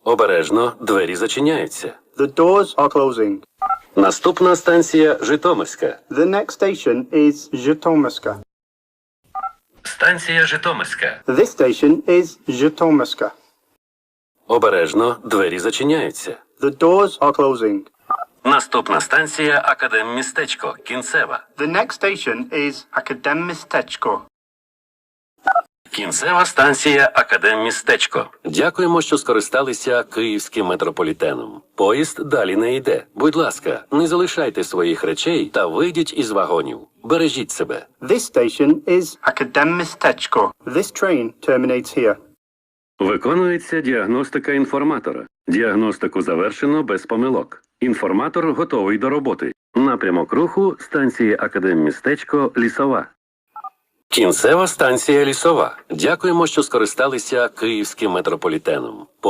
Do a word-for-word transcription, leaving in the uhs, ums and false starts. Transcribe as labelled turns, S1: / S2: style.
S1: Обережно, двері зачиняються.
S2: The doors are closing.
S1: Наступна станція Житомирська.
S2: The next station is Zhytomyska.
S1: Станція Житомирська.
S2: This station is Zhytomyska.
S1: Обережно, двері зачиняються.
S2: The doors are closing.
S1: Наступна станція Академмістечко, кінцева.
S2: The next station is Akademmistečko.
S1: Кінцева станція Академмістечко. Дякуємо, що скористалися київським метрополітеном. Поїзд далі не йде. Будь ласка, не залишайте своїх речей та вийдіть із вагонів. Бережіть себе.
S2: This station is Akademmistečko. This train terminates here.
S1: Виконується діагностика інформатора. Діагностику завершено без помилок. Інформатор готовий до роботи. Напрямок руху станції Академмістечко, Лісова. Кінцева станція Лісова. Дякуємо, що скористалися київським метрополітеном.